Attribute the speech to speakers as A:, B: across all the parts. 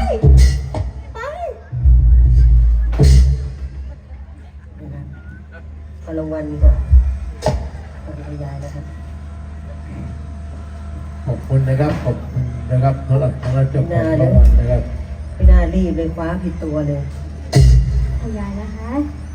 A: ไปขอรางวัลก่อนขอบคุณยายนะครับ
B: ขอบคุณนะครับขอบคุณนะครับสำหรับเจ้าของรางวัลนะครับ
A: ไม่น่ารีบเลยคว้าผิดตัวเลย
C: ขอบยายนะคะ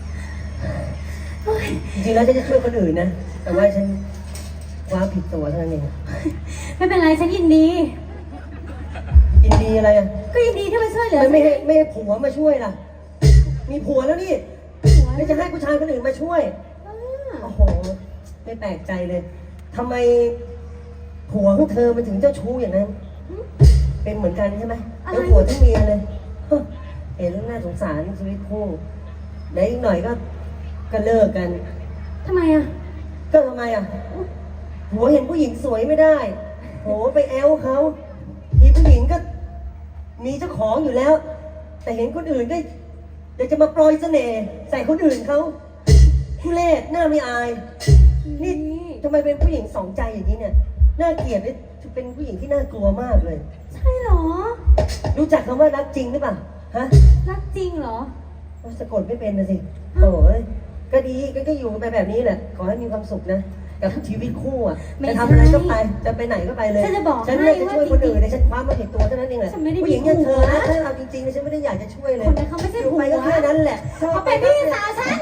A: จริงๆแล้วจะช่วยคนอื่นนะแต่ว่าฉันคว้าผิดตัวเท่านั้นเอง
C: ไม่เป็นไรฉันยินดี
A: ยินดีอะไรอ่ะ
C: ก็ยินดีที่มาช่วยเหลือ
A: ไม่ให้ผัวมาช่วยล่ะมีผัวแล้วนี่ไม่จะให้ผู้ชายคนอื่นมาช่วยโอ้โหไม่แปลกใจเลยทำไมผัวของเธอมันถึงเจ้าชู้อย่างนั้นเป็นเหมือนกันใช่ไหมแล้วผัวทั้งเมียเลยเห็นแล้วน่าสงสารชีวิตคู่ไหนอีกหน่อยก็เลิกกัน
C: ทำไมอ่ะ
A: ก็ทำไมอ่ะผัวเห็นผู้หญิงสวยไม่ได้โหไปแอลเขาทีผู้หญิงก็มีเจ้าของอยู่แล้วแต่เห็นคนอื่นก็อยากจะมาปล่อยเสน่ห์ใส่คนอื่นเขาทุเรศหน้าไม่อายนี่ทำไมเป็นผู้หญิงสองใจอย่างนี้เนี่ยน่าเกลียดเลยเป็นผู้หญิงที่น่ากลัวมากเลย
C: ใช่หรอ
A: รู้จักคำว่ารักจริงหรือเปล่าฮะ
C: รักจริงเหรอ
A: สะกดไม่เป็นนะสิโอ้ยก็ดีก็อยู่ไปแบบนี้แหละขอให้มีความสุขนะกับชีวิตคู่อ่ะจะทำอะไรก็ไปจะไปไหนก็ไปเลยฉันจะช่วยคนอื่นในฉันคว้ามาผิดตัวเท่านั้นเองแหละผู้หญิงอย่างเธอนะถ้าเราจริงๆฉันไม่ได้อยากจะช่วยเลย
C: คนนั้นเขาไม่ใช่ผัว
A: ไปก็แค่นั้นแหละ
C: เขาเป็นพี่สาวฉัน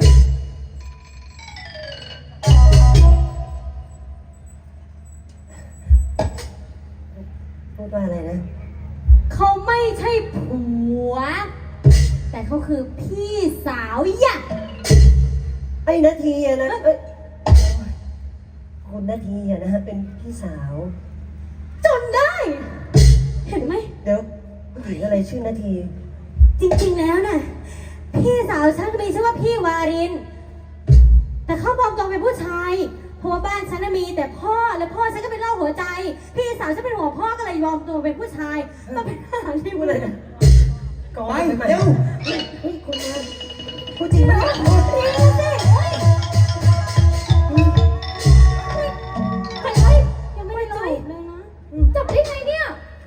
A: พูดว่าอะไรนะ
C: เขาไม่ใช่ผัวแต่เขาคือพี่สาวยักษ์
A: ไอ้นาทีอะนะคนนาทีอะนะฮะเป็นพี่สาว
C: จนได้เห็นไหม
A: เดี๋ยวผู้หญิงอะไรชื่อนาที
C: จริงๆแล้วน่ะพี่สาวฉันมีชื่อว่าพี่วารินแต่เขาปลอมตัวเป็นผู้ชายเพราะว่าบ้านฉันมีแต่พ่อและพ่อฉันก็เป็นโรคหัวใจพี่สาวฉันเป็นหัวพ่อก็เลยยอมตัวเป็นผู้ชายมาเป็นทหารที่
A: อะไรนะ
B: ก่อนเร็ว
A: เฮ้ยคุณมาพูดจริงไหม
C: ยังไม่ได้จบเลยนะจับได้ไงเนี่ย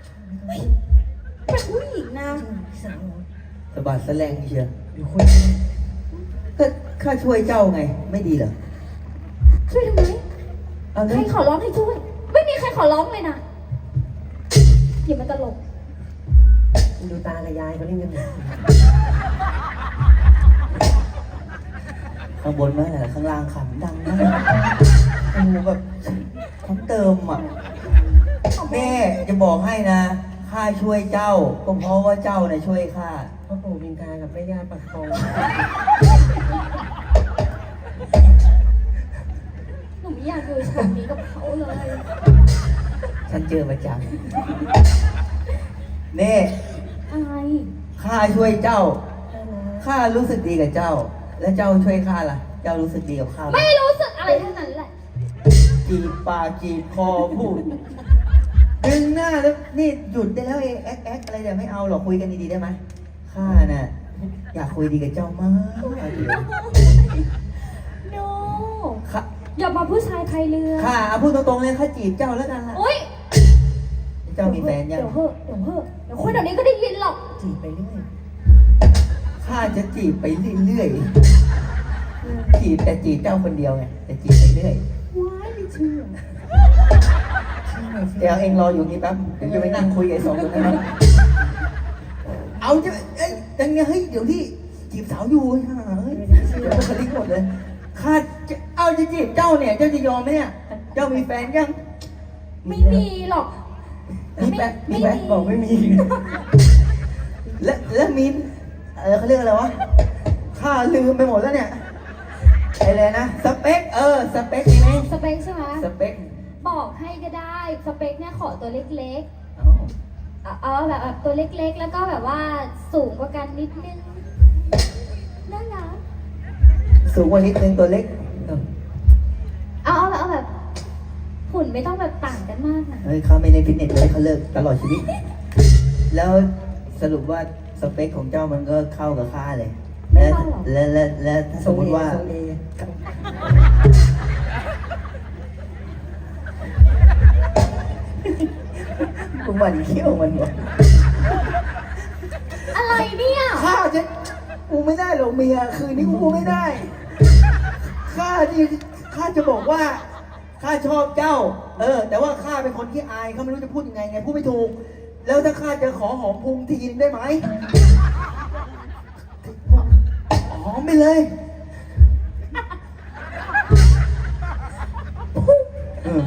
C: เป็นผู้หญิงนะ
B: สะบัดแสลงเชียว
A: อยู่คน
B: ก็ข้าช่วยเจ้าไงไม่ดีเหรอ
C: ช่วยทำไมใครขอร้องให้ช่วยไม่มีใครขอร้องเลยนะอย่ามาตลก
A: ดูตากับยายเขาเล่นกัน
B: ข้างบนไม่แหละข้างล่างขำดังมากโอ้แบบทั้งเติมอ่ะแม่จะบอกให้นะข้าช่วยเจ้าก็เพราะว่าเจ้าเนี่ยช่วยข้า
A: พ่อปู่บินทากับแม่ย่าปักทอง
C: หนูไม่อยากดูฉากนี้กับเขาเลย
B: ฉันเจอประจำเน่
C: อะไร
B: ข้าช่วยเจ้าข้ารู้สึกดีกับเจ้าและเจ้าช่วยข้าล่ะเจ้ารู้สึกดีกับข้า
C: ไม่รู้สึกอะไรทั้งนั้นแหละ
B: จีบปากจีบคอพูดดึงหน้าแล้วนี่หยุดได้แล้วแอ๊กอะไรเดี๋ยวไม่เอาหรอกคุยกันดีๆได้ไหมข้าน่ะอยากคุยดีกับเจ้ามาก
C: โนอย่ามาผู้ชายไทยเรือ
B: ข้าพูดตรงๆเลยข้าจีบเจ้าแล้วกันละ
C: อุ้ย
B: เจ้ามีแฟนยัง
C: เดี๋ยวคนเดี๋ยวนี้ก็ได้ยินหรอก
A: จีบไปเรื่อย
B: ข้าจะจีบไปเรื่อยๆจีบแต่จีบเจ้าคนเดียวไงแต่จีบไปเรื่อย
A: ว้ายไม่เชื่อ
B: เดี๋ยวเองรออยู่นี่แป๊บเดี๋ยวจะไปนั่งคุยกับไอ้สองคนนั้นเอาจะยังไงเฮ้ยเดี๋ยวที่จีบสาวอยู่เฮ้ยเดี๋ยวคนลิกหมดเลยข้าจะเอาจะจีบเจ้าเนี่ยเจ้าจะยอมไหมเนี่ยเจ้ามีแฟนยัง
C: ไม่มีหรอก
B: มีแฟนบอกไม่มีแล้วมีเขาเรียกอะไรวะข้าลืมไปหมดแล้วเนี่ยอะไรนะสเปคสเปคไหม
C: สเปคใช่ไหม
B: สเปค
C: บอกให้ก็ได้สเปคเนี่ยขอตัวเล็กๆเอาแบบตัวเล็กๆแล้วก็แบบว่าสูงกว่ากันนิดนึงน่ารัก
B: สูงกว่านิดนึงตัวเล็ก
C: เอาแบบหุ่นไม่ต้องแบบต่างกันมากนะ
B: เฮ้ยเขาไม่เล่นฟิตเนสเลยเขาเลิกตลอดชีวิตแล้วสรุปว่าสเปคของเจ้ามันก็เข้ากับข้าเลยและสมมติว่าคุณวันเขี้ยวมันวะ
C: เนี่ย
B: ข้าจะกูไม่ได้หรอกเมียคืนนี้กูไม่ได้ข้าจะบอกว่าข้าชอบเจ้า แต่ว่าข้าเป็นคนที่อายเขาไม่รู้จะพูดยังไงพูดไม่ถูก แล้วถ้าข้าจะขอหอมพุงทีนึงได้ไหมหอมไปเลยเออ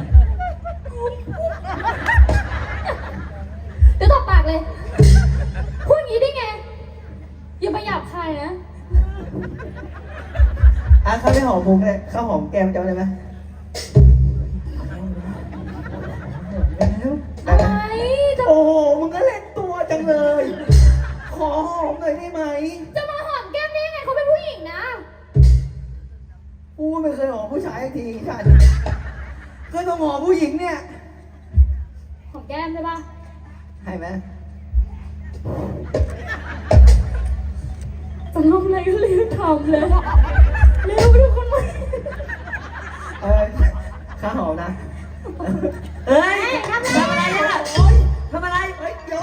C: เดี๋ยวตบปากเลย พูดอย่างนี้ได้ไง อย่ามาหยาบคายนะ
B: ข้าไม่หอมพุงเลยข้าหอมแก้มเจ้าได้ไหม
C: อะไรจะ
B: โอ้โหมึงก็เล่นตัวจังเลย ขอหอมหน่อยได้ไหม
C: จะมาหอมแก้มได้ยังไงเขาเป็นผู้หญิงนะ
B: กูไม่เคยหอมผู้ชายสักทีฉันก็ต้องหอมผู้หญิงเนี่ย
C: หอมแก้มใช่ปะ
B: ให้ไหม
C: จะทำอะไรก็รีบทำเลยเร็วทุกคนมา
B: ข้าหอมนะ
A: เฮ้ย
C: ทำอะไรอ่ะ
A: ทำอะไร
B: เฮ้ยเดี๋ยว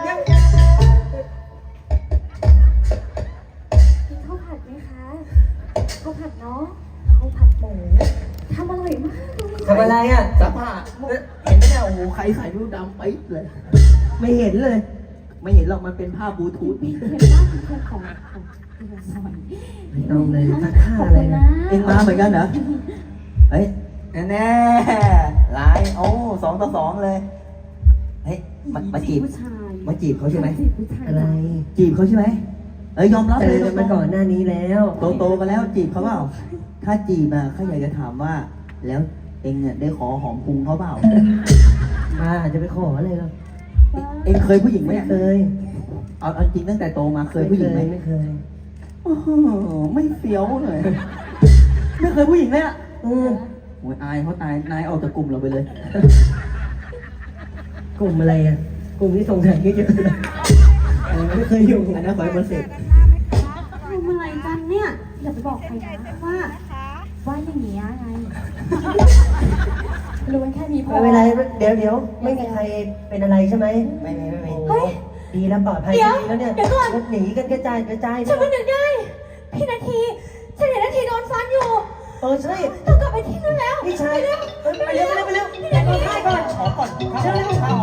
C: กินข้าวผัดไหมคะข้าวผัดเนาะข้าวผัดหมูทำอร่อยมากเลย
A: ทำอะไรอ่ะ
B: สภาพเห็นไหมเนี่ยโอ้โหใครใส่รูปดำไปเลย
A: ไม่เห็นเลย
B: ไม่เห็นหรอกมันเป็นภาพบลูทูธ
C: เห็นมากเพื่อนของ
A: ไม่ต้องเลยตัดค่าอะไรนะ
B: เอ็งมาเหมือนกันเหรอ เฮ้ยแน่ไลน์โอ้2-2เลย เฮ้ยมาจีบ
C: ผู้ชาย
B: มาจีบเขาใช่ไหม
C: จีบผู้ชาย
A: อะไร
B: จีบเขาใช่ไหมยอมรับ
A: เจ
B: เล
A: อย กันมาก่อนหน้านี้แล้ว
B: โตกันแล้วจีบเขาเปล่า ถ้าจีบอ่ะเขาอยากจะถามว่า แล้วเอ็งเนี่ยได้ขอหอมพุงเขาเปล่า
A: มาอาจจะไปขออะไรหรอก
B: เอ็งเคยผู้หญิงไหม
A: ไม่
B: เนี่ย
A: เคย
B: เอาจริงตั้งแต่โตมาเคยผู้หญิงไหม
A: ไม่เคย
B: โอ้โหไม่เฟี้ยวเลย ไม่เคยผู้หญิงเลยอ่ะ
A: เออ
B: โอ้ยอายเขาตายนายออกจากกลุ่มเราไปเลย
A: กลุ่มอะไรอ่ะ กลุ่มที่ส่งถ่ายเยอะๆไม่เคยอยู่
B: อันนั้นขอให้มันเสร็จ
C: ทำอะไรกันเนี่ยอย่าไปบอกใครนะว่าอย่างนี้ไงรู้แค่นี้พอ
A: ไม่เป็นไรเดี๋ยวไม่มีใครเป็นอะไรใช่ไหม
B: ไม่มี
C: เฮ้ย
A: ดีแล้วปลอดภัย
C: เดี๋ยว
A: ดีแล้วเนี่ย
C: เดี๋ยวก่อน
A: รถหนีกันกระจาย
C: ฉันก็นึกได้ พี่นาทีฉันเห็นนาทีโดนฟันอยู่
A: ใช่
C: ต้องกลับไปที่นู่นแล้ว
A: พี่ชาย
C: ไปเร็ว
A: ไปเร็ว
C: พี่นาที
A: ไปก่อน
B: ขอก่อน
A: เชิญเลย